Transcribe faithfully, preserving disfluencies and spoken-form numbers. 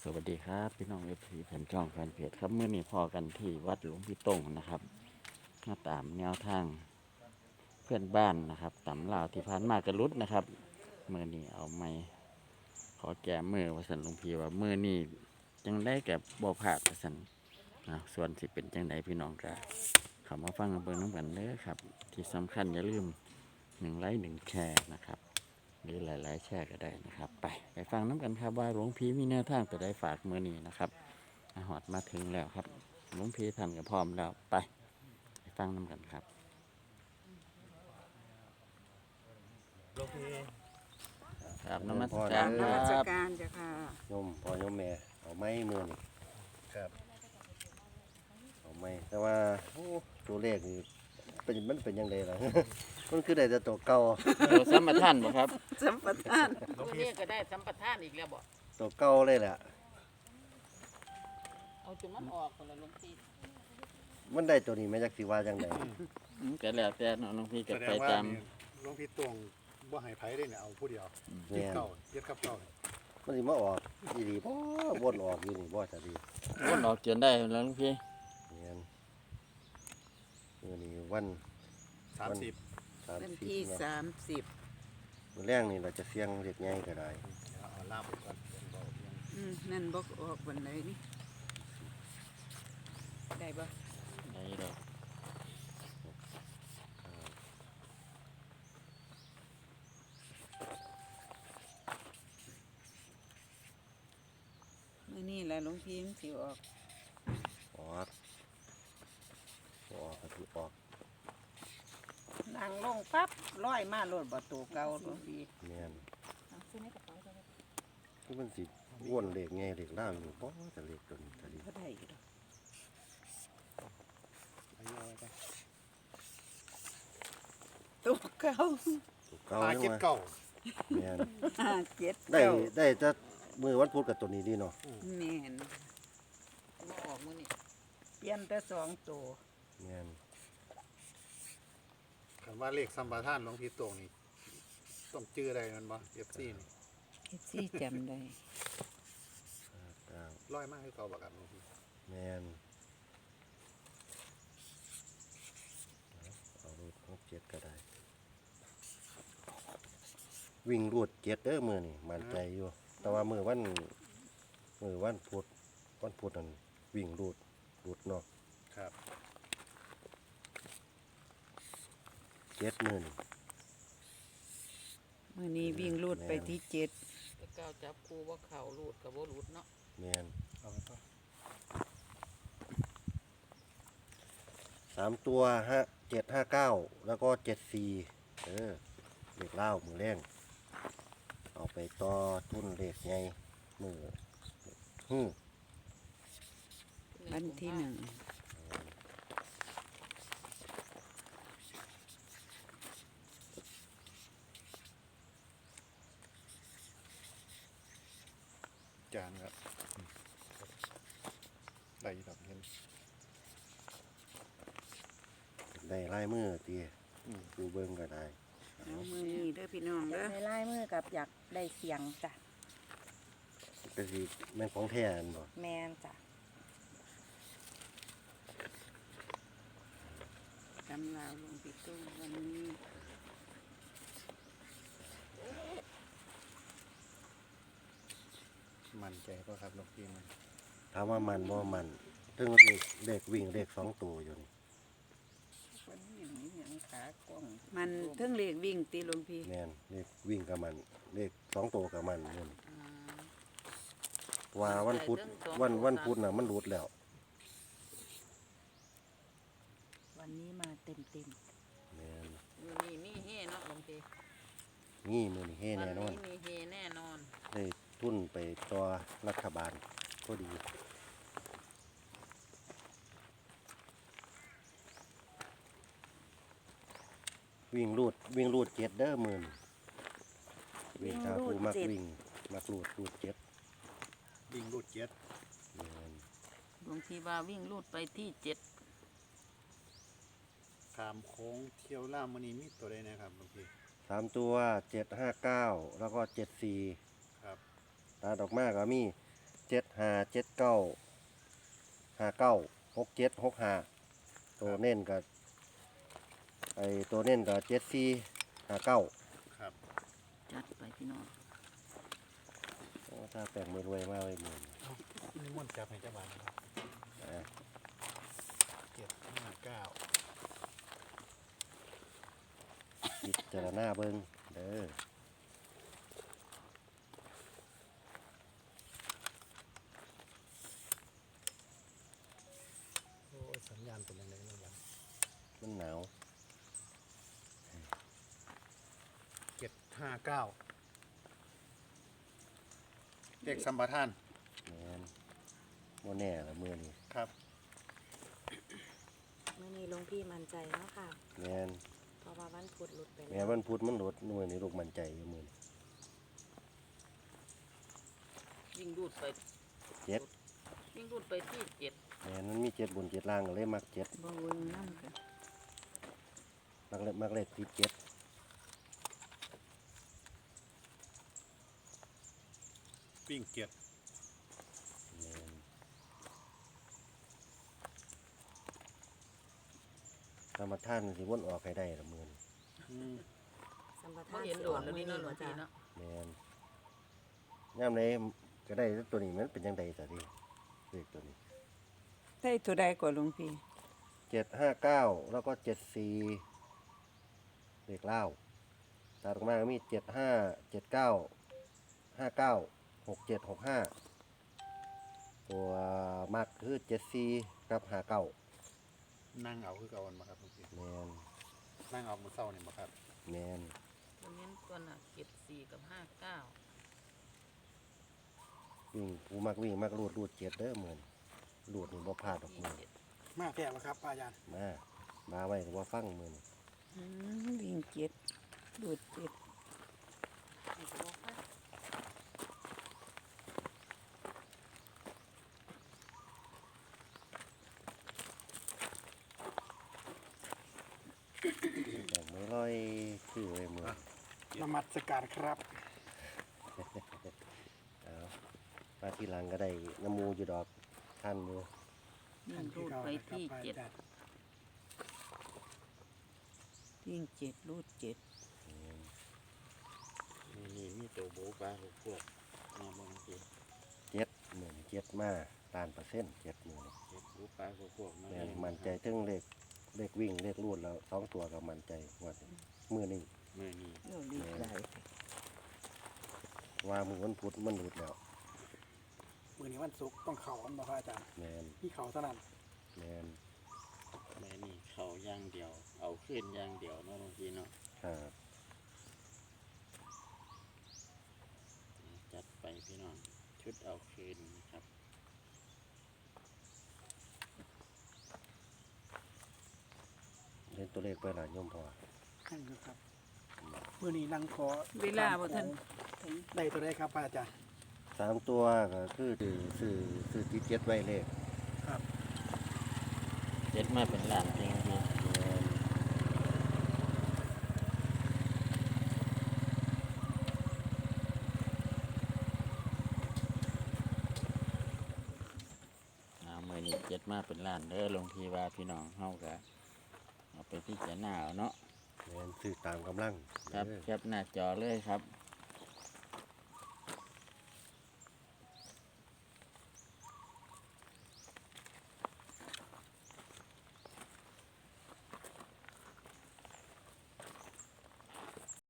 วัสดีครับพี่น้องเอฟซีแฟนช่องแฟนเพจครับเมื่อนี้พอกันที่วัดหลวงพี่ตงนะครับมาตามแนวทางเพื่อนบ้านนะครับตำลาวที่ผ่านมากระลุดนะครับเมื่อนี้เอาไม้ขอแก้มือวสันหลวงพี่ว่าเมื่อนี้จังได้แก่บ่ผาดวสันนะส่วนสิเป็นจังไดพี่น้องกันเข้ามาฟังกันเบิ่งน้ำกันเด้อครับที่สำคัญอย่าลืมหนึ่งไลค์หนึ่งแชร์นะครับหรือหลายๆแชร์ก็ได้นะครับไปไปฟังน้ำกันครับว่าหลวงพี่มีแนวทางตัวใดฝากมือนี้นะครับอาหอดมาถึงแล้วครับหลวงพี่ท่านก็พร้อมแล้วไปไปฟังน้ำกันครับหลวงพี่ครับนมัสการนคมัสรับการจ้ะค่ะโยมพ่อโยมแม่เอาไม้มือนี่ครับเอาไม้แต่ว่าโอ้ตัวเลขนี่เป็นมันเป็นยังไงล่ะ มันคือได้แต่ตัวเก่าตัวสัมปทานบ่ครับสัมปทานหลวงตัวพี่นี้ก็ได้สัมปทานอีกแล้วบ่ตัวเก่าเลยแหละเอาจุดมันออกคนละหลวงพี่มันได้ตัวนี้มาจากสิว่าจังไดอืมก็แล้วแต่เนาะหลวงพี่ก็แสดไปงว่าตามนี่หลวงพี่ตวงบ่ให้ไผได้เนี่ยเอาผู้เดียวแม่นเก่าเย็ดกับเก่าเนี่ยมันสิมาออกอีดีบ่วนออกอยู่นี่บ่จะดีวนออกเกินได้แล้วหลวงพี่แม่นมื้อนี้วันสามสิบวันสามสิบที่เนาะสามสิบมื้อแรงนี่เราจะเสี่ยงเด็กใหญ่ก็ได้เอาเอาล่ามไปก่อนเดี๋ยวบอกยังอืมนั่นบอกออกวันไหนนี่ได้บ่ได้ดอกเมื่อนี่แหละหลวงพี่มันสิออกออกบ่ออกก็สิออกนั่งลงปั๊บร้อยมาโลดบ่ตัวเก่าหลวงพี่แม่นเอาซื้อในกระเป๋าไปเลยคือมันสิวนเลขใหญ่เลขล่าวอยู่บ่จะเลขตัวนี้จะดีบ่ได้ดอกอายุอะไรไปตัวเก่าตัวเก่าหายังเก็บว่าเก่าแม่นห้าเจ็ดได้เก้าได้จะมือวันพุธกับตัวนี้ดีเนาะแม่นมาออกมื้อนี้เปลี่ยนแต่สองตัวแม่นคำว่าเลขสัมปทานหลวงพี่ตวงนี่ต้องจื้ออะไรมันบ่เอฟซีนี่เฮ็ดสิจำได้ห้าเก้าร้อยมากคือเก่าบักครับหลวงพี่แม่นเอารูดหกเจ็ดก็ได้ วิ่งรูดเจ็ดเด้อมือนี่มั่นใจอยู่ แต่ว่ามือวันมือวันพุธวันพุธนั่นวิ่งรูดรูดเนาะครับเจ็ดมือนี่มื้อนี้วิ่งลูดไปที่เจ็ดแต่เก้าจับครูว่าเข่ารูดกับบ่รูดเนาะแม่นเอาไปต่อสามตัวฮะเจ็ดห้าเก้าแล้วก็เจ็ดสี่เออเลขเล่าวมือแรงเอาไปต่อทุนเลขไงมือฮึมวันที่หนึ่งจานครับได้ดอกเงินได้ลายมือตีดูเบิ้งก็ได้เอามือนี้เด้อพี่น้องอยาเด้กอได้ลายมือกับอยากได้เสียงจ้ะก็สิแม่นของแท้อันบ่แมนจ้ะตำลาวหลวงพี่ตุ้งวันนี้มั่นใจก็ครับหลวงพี่มันถามว่ามันบ่มันถึงเลขเลขวิ่งเลขสองตัวอยู่นี่วันนี้อย่างนี้อย่างขากล้องมันเทั้งเลขวิ่งตีหลวงพี่แม่นเลขวิ่งกับมันเลขสองตัวกับมันนู่นอ่าว่าวันพุธวันวันพุธน่ะมันหลุดแล้ววันนี้มาเต็มเต็มแม่นมื้อนี้มีเฮเนาะหลวงพี่นี่มือนี่เฮ้วัแน่นอนนี้มีเฮแน่นอนได้ทุนไปต่อรัฐบาลก็ดี วิ่งรูดวิ่งรูดเจ็ดเด้อมือนวิ่งชาคูมักวิ่งมักรูดรูดเจ็ดวิ่งรูดเจ็ดแม่นหลวงพี่ว่าวิ่งรูดไปที่เจ็ดขามโค้งเที่ยวล่ามมันนี้มีตัวใดนะครับหลวงพี่สามตัวเจ็ดห้าเก้าแล้วก็เจ็ดสี่ครับตาดอกมากก็มีเจ็ดห้าเจ็ดเก้าห้าเก้าหกเจ็ดหกห้าตัวเน้นกับไอตัวเน้นกับเจ็ดสี่ห้าเก้าครับจัดไปพี่น้องถ้าแปลงมือรวยมากเลยมือนี่ม่วนจับให้เจ้าบ้านนะครับอ่ะเจ็ดห้าเก้าพิจารณาเบิ้งเด้อโอ้ยสัญญาณเป็นยังไงเนาะบ้านมันหนาวเจ็ดห้าเก้าเลขสัมปทานแมนโมแน่ละมือนี่ครับเมื่อนี้หลวงพี่มั่นใจเนาะค่ะแมนเพราะว่าวันพุธหลุดไปแมแล้วนวันพุธมันหลดมือนี่ลูกมันใจอยู่มือนี่วิ่งรูดไปเจ็ดวิ่งรูดไปที่เจ็ดแมนมันมีเจ็ดบนเจ็ดล่างก็เลยมักเจ็ดบ่เวิงนำกันมักเล็มักเล็ติดเจ็ดวิ่งเจ็ดแมนธรรมท่านสิวนออกให้ได้ละมือนี่อืมสัมปบ่ทานเห็นสิโดออน กแล้วมื้อนี่นี้เนาะหลวบ่งพี่จ้ะเนาะแมนย่ามไหนก็ได้ตัวนี้มันเป็นยังไงแต่ที่เลขตัวนี้ได้ตัวใดก่อนหลวงพี่เจ็ดห้าเก้าแล้วก็เจ็ดสี่เลขเล่าตัดออกมาก็มีเจ็ดห้าเจ็ดเก้าห้าเก้าหกเจ็ดหกห้าตัวมักคือเจ็ดสี่กับห้าเก้านั่งเอาคือเก่าวันมาครับหลวงพี่แมนนั่งเอามือเศร้านี่มาครับแมนตัวเน้นตัวน่ะเจ็ดสี่กับห้าเก้าวิ่งผู้มักวิ่งมักรูดรูดเจ็ดเด้อเหมือนรูดนี่บ่พลาดดอกที่มือเจ็ดมากแก่วครับป้ายันมามาไว้ก็บ่ฟังมือนี่อืมวิ่งเจ็ดดูดเจ็ดนี่ก็บ่ฟังแต่ไม่ร้อยคือไว้มือนมัสการครับเอามาทีหลังก็ได้น้ำมูอยู่ดอกท่านมือวิ่งรูดไปที่เจ็ดวิ่งเจ็ดรูดเจ็ดนี่นี่มีตัวโบปลาลูกพวกมาบางทีเจ็ดหมื่นเจ็ดมาล้านเปอร์เซ็นต์เจ็ดหมื่นเจ็ดโบปลาลูกพวกมาแม่นมันใจถึงเลขเลขวิ่งเลขรูดแล้วสองตัวกับมันใจงวดนี้มือนี่มือนี้เราดีหลายว่ามือวันพุธมันหลุดแล้วมือนี้วันศุกร์ต้องเข่าอันบ่พระอาจารย์แมนที่เข่าเท่านั้นแมนมือนี้เขาอย่างเดียว เอาขึ้นอย่างเดียวเนาะบางทีเนาะครับจัดไปพี่น้องชุดเอาคืนนะครับเล่นตัวเลขไปหลายโยมพอนั่นคือครับมือนี้นั่งขอเวลาบ่ทันได้ตัวได้ครับพระอาจารย์สามตัวก็คือสื่อสื่อสื่อติดเจ็ดไว้เลขครับเจ็ดมาเป็นล้านจริงพี่แม่นอ่ามือนี้เจ็ดมาเป็นล้านเด้อหลวงพี่ว่าพี่น้องเฮาก็เอาไปพิจารณาเอาเนาะแมนสื่อตามกำลังครับเด้อแคปหน้าจอเลยครับ